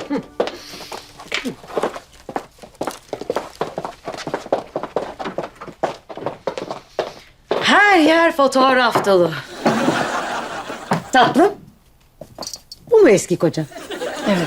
Her yer fotoğraf dolu. Tatlım. Bu mu eski koca? Evet.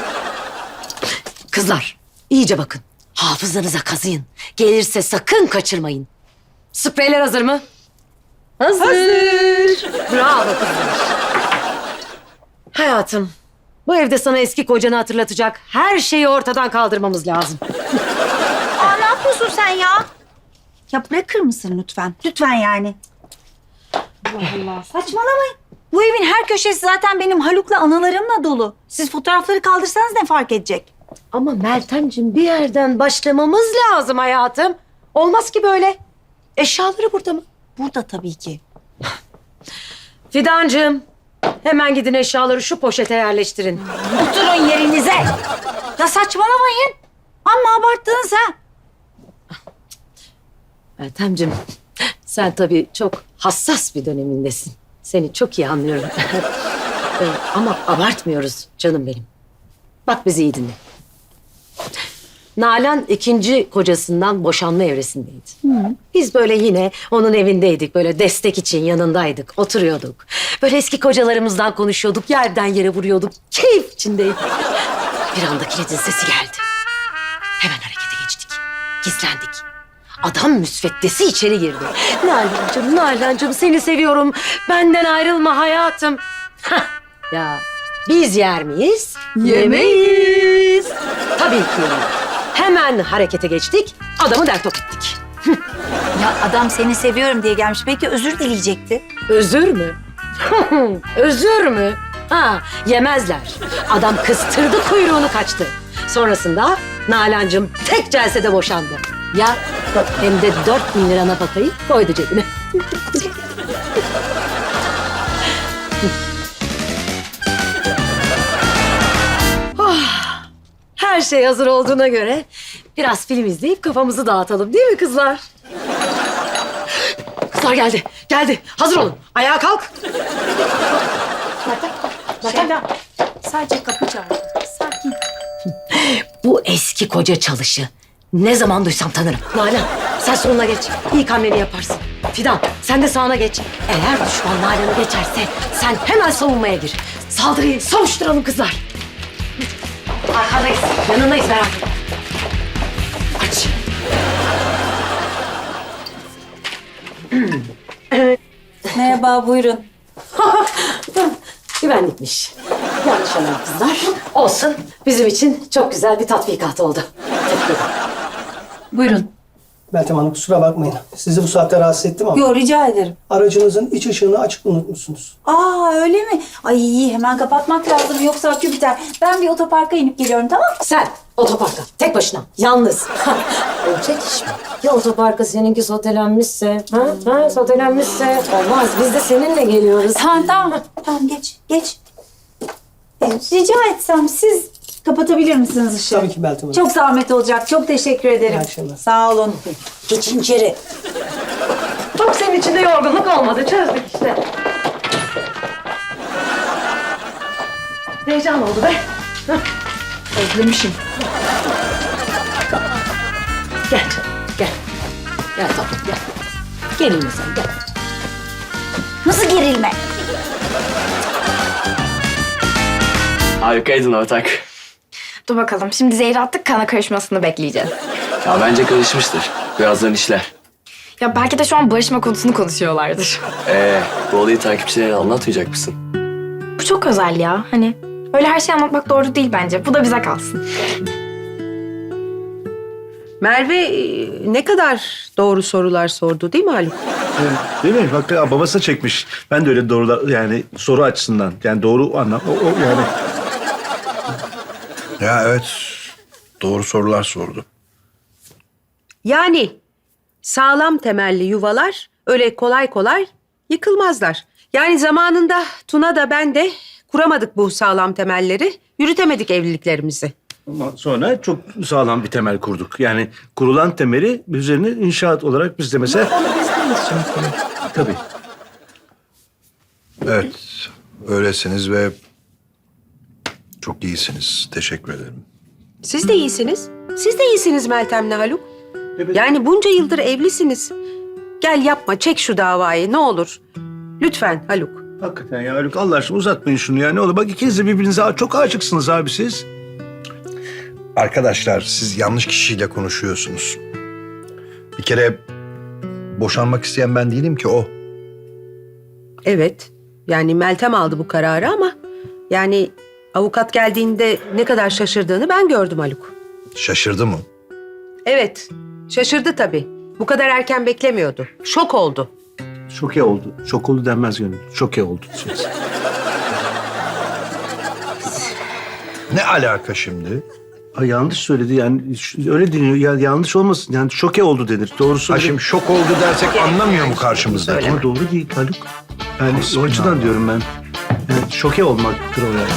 Kızlar, iyice bakın. Hafızanıza kazıyın. Gelirse sakın kaçırmayın. Spreyler hazır mı? Hazır. Bravo kızlar. Hayatım, bu evde sana eski kocanı hatırlatacak her şeyi ortadan kaldırmamız lazım. Aa, ne yapıyorsun sen ya? Ya bırakır mısın lütfen? Lütfen yani. Allah Allah. Saçmalamayın. Bu evin her köşesi zaten benim Haluk'la anılarımla dolu. Siz fotoğrafları kaldırsanız ne fark edecek? Ama Meltemciğim bir yerden başlamamız lazım hayatım. Olmaz ki böyle. Eşyaları burada mı? Burada tabii ki. Fidancığım, hemen gidin eşyaları şu poşete yerleştirin. Oturun yerinize. Ya saçmalamayın. Amma abarttınız ha. Meltemciğim, sen tabii çok hassas bir dönemindesin. Seni çok iyi anlıyorum. Ama abartmıyoruz canım benim. Bak bizi iyi dinle. Nalan ikinci kocasından boşanma evresindeydi. Biz böyle yine onun evindeydik. Böyle destek için yanındaydık. Oturuyorduk. Böyle eski kocalarımızdan konuşuyorduk. Yerden yere vuruyorduk. Keyif içindeydik. Bir anda kilidin sesi geldi. Hemen harekete geçtik. Gizlendik. Adam müsveddesi içeri girdi. Nalan'cığım seni seviyorum. Benden ayrılma hayatım. Hah, ya biz yer miyiz? Yemeyiz. Tabii ki yemeyiz. Hemen harekete geçtik. Adamı dertop ettik. Ya adam seni seviyorum diye gelmiş. Belki özür dileyecekti. Özür mü? Özür mü? Ha, yemezler. Adam kıstırdı kuyruğunu kaçtı. Sonrasında Nalan'cığım tek celsede boşandı. Ya hem de 4.000 lira nafakayı koydu cebine. Her şey hazır olduğuna göre biraz film izleyip kafamızı dağıtalım değil mi kızlar? Kızlar geldi, geldi. Hazır olun. Ayağa kalk. Şeyda, sadece kapı çaldı. Sakin. Bu eski koca çalışı. Ne zaman duysam tanırım. Nalan, sen soluna geç. İlk hamleni yaparsın. Fidan, sen de sağına geç. Eğer düşman Nalan'ı geçerse sen hemen savunmaya gir. Saldırıyı savuşturalım kızlar. Arkadayız, yanındayız merak etme. Aç. Merhaba, buyurun. Güvenlikmiş. Yanlış anladım kızlar. Olsun. Bizim için çok güzel bir tatbikat oldu. Buyurun. Meltem Hanım kusura bakmayın. Sizi bu saatte rahatsız ettim ama Yo, rica ederim. aracınızın iç ışığını açık unutmuşsunuz. Aa, öyle mi? Ay, hemen kapatmak lazım yoksa akü biter. Ben bir otoparka inip geliyorum, tamam mı? Sen otoparka tek başına yalnız. Olacak iş mi? Ya otoparka seninki sotelenmişse? Ha, sotelenmişse olmaz. Biz de seninle geliyoruz. Tamam. Tamam, geç. Rica etsem siz kapatabilir misiniz ışığı? Tabii ki Meltem Hanım. Çok zahmet olacak. Çok teşekkür ederim. İyi akşamlar. Sağ olun. Geçin içeri. Bak senin içinde yorgunluk olmadı. Çözdük işte. Heyecan oldu be. Özlemişim. Gel canım, gel. Gel tatlım, gel. Gerilme sen, gel. Nasıl gerilme? Harikaydın ortak. Dur bakalım. Şimdi zehri attık, kana karışmasını bekleyeceğiz. Ya bence karışmıştır. Birazdan işler. Ya belki de şu an barışma konusunu konuşuyorlardır. Bu olayı takipçilere anlatmayacak mısın? Bu çok özel ya. Hani öyle her şeyi anlatmak doğru değil bence. Bu da bize kalsın. Merve ne kadar doğru sorular sordu değil mi Haluk? Değil mi? Bak babası çekmiş. Ben de öyle doğru yani soru açısından. Yani doğru anlam. O yani. Ya evet, doğru sorular sordu. Yani sağlam temelli yuvalar öyle kolay kolay yıkılmazlar. Yani zamanında Tuna da ben de kuramadık bu sağlam temelleri, yürütemedik evliliklerimizi. Ama sonra çok sağlam bir temel kurduk. Yani kurulan temeli üzerine inşaat olarak biz de mesela... Tabii. Evet, öylesiniz ve Çok iyisiniz. Teşekkür ederim. Siz de iyisiniz. Siz de iyisiniz Meltem'le Haluk. Yani bunca yıldır evlisiniz. Gel yapma, çek şu davayı ne olur. Lütfen Haluk. Hakikaten ya Haluk Allah aşkına uzatmayın şunu ya. Ne olur bak ikiniz de birbirinize çok aşıksınız abi siz. Arkadaşlar siz yanlış kişiyle konuşuyorsunuz. Bir kere boşanmak isteyen ben değilim ki o. Evet, yani Meltem aldı bu kararı ama... yani avukat geldiğinde ne kadar şaşırdığını ben gördüm Haluk. Şaşırdı mı? Evet, şaşırdı tabii. Bu kadar erken beklemiyordu. Şok oldu. Şoke oldu. Şok oldu denmez Gönül. Şoke oldu. Ne alaka şimdi? Ay yanlış söyledi yani öyle deniyor ya yanlış olmasın yani şoke oldu denir. Doğrusu Ha şimdi şok oldu dersek anlamıyor mu karşımızdaki? ama doğru değil Haluk. Yani o açıdan diyorum ben. Yani şoke olmaktır o yani.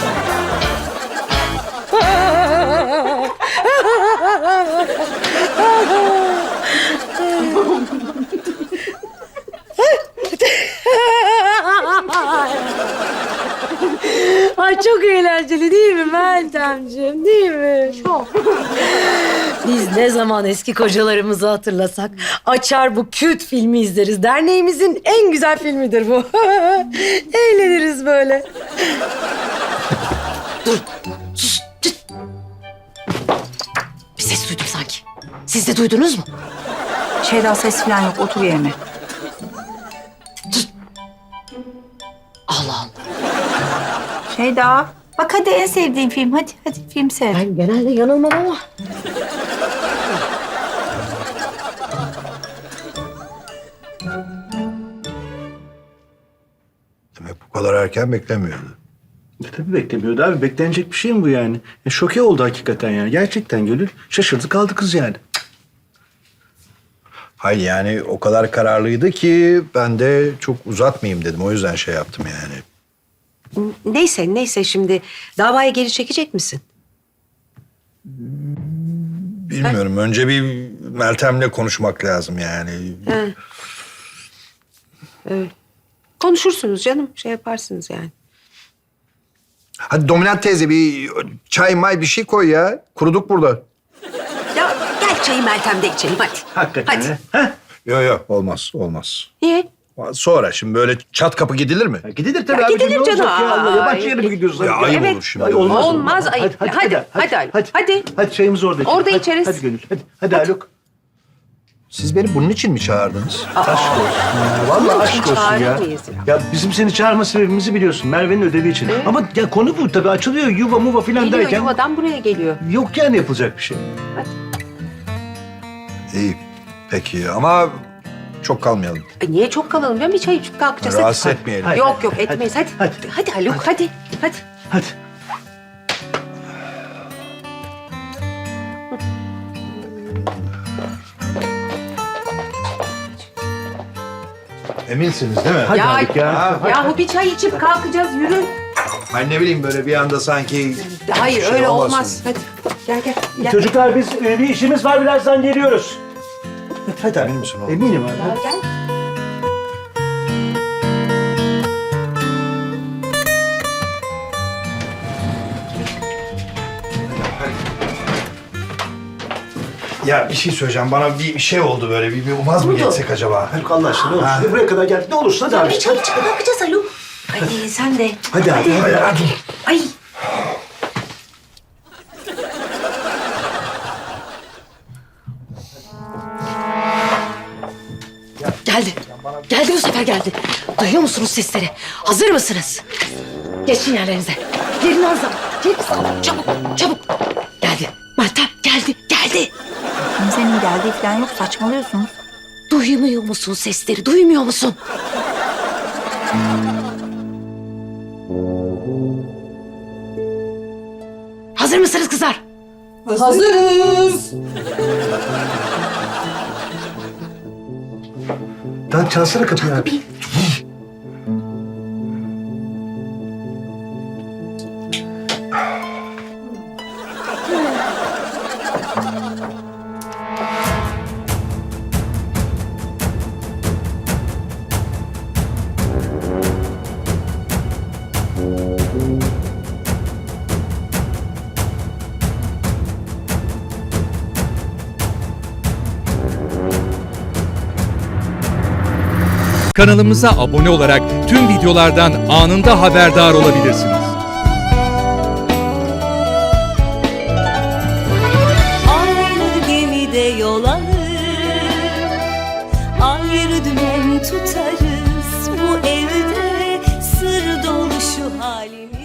Ay çok eğlenceli değil mi Meltemciğim, değil mi? Çok. Biz ne zaman eski kocalarımızı hatırlasak açar bu kült filmi izleriz. Derneğimizin en güzel filmidir bu. Eğleniriz böyle. Dur. Sus. Çıt. Bir ses duydum sanki. Siz de duydunuz mu? Şeyda ses falan yok. Otur yerine. Allah Allah. Şeyda. Bak hadi en sevdiğin film. Hadi film seyret. Ben genelde yanılmam ama. Demek bu kadar erken beklemiyordu. Tabii beklemiyordu abi. Beklenecek bir şey mi bu yani? Şoke oldu hakikaten yani. Gerçekten Gönül. Şaşırdı kaldı kız yani. Hayır yani o kadar kararlıydı ki ben de çok uzatmayayım dedim. O yüzden şey yaptım yani. Neyse şimdi davaya geri çekecek misin? Bilmiyorum. Önce bir Meltem'le konuşmak lazım yani. Konuşursunuz canım, şey yaparsınız yani. Hadi Dominant teyze bir çay may bir şey koy ya. Kuruduk burada. Ya gel çayı Meltem'de içelim hadi. Hakikaten. Hadi. Ha? Yok olmaz. Niye? Sonra şimdi böyle çat kapı gidilir mi? Gidilir tabii Ya abi. gidilir Ne olacak canım. Ya? Allah, yabancı Ay. yere mi gidiyorsun? Ya ayıp Evet. olur şimdi. Ay, Olmaz, ayıp. Hadi. Hadi çayımızı orada içelim. Orada Hadi, içeriz. Hadi Gönül. Hadi Haluk. Siz beni bunun için mi çağırdınız? Aşk olsun ya. Vallahi Bunun aşk için olsun çağırır ya. mıyız ya? Ya bizim seni çağırma sebebimizi biliyorsun. Merve'nin ödevi için. Ama ya konu bu tabii açılıyor yuva muva filan Geliyor derken. yuvadan buraya geliyor. Yok yani yapılacak bir şey. İyi. Peki ama çok kalmayalım. Niye çok kalalım? Ben bir çay içip kalkacağız. Hadi. Rahatsız etmeyelim. Hadi. Yok etmeyiz hadi. Hadi Haluk hadi. Hadi. Eminsiniz değil mi? Hadi Ya- Haluk ya. Yahu bir çay içip kalkacağız yürü. Ben ne bileyim böyle bir anda sanki... Hayır şey öyle olmasın. olmaz. Hadi gel. Çocuklar biz bir işimiz var birazdan geliyoruz. Hadi Emin misin oğlum? Eminim abi. Gel. Ya bir şey söyleyeceğim. Bana bir şey oldu böyle. Bir vaz mı geçsek acaba? Haluk Allah aşkına ne olursun. Buraya kadar geldik. Ne olursun hadi abi. Çay içip kalkacağız Haluk. Hadi sen de. Hadi abi. Hadi. Ay. Geldi. Geldi bu sefer geldi. Duyuyor musunuz sesleri? Hazır mısınız? Geçin yerlerinize. Yerini alın. Yerini alın. Çabuk. Geldi. Meltem geldi. Kimsenin geldiği falan yok. Saçmalıyorsunuz. Duymuyor musun sesleri? Duymuyor musun? Hazır mısınız kızlar? Lan çalsana kapıyı abi. Kanalımıza abone olarak tüm videolardan anında haberdar olabilirsiniz. Aynı gemide yol alır, ayrı dümen tutarız. Bu evde sır dolu şu halimiz.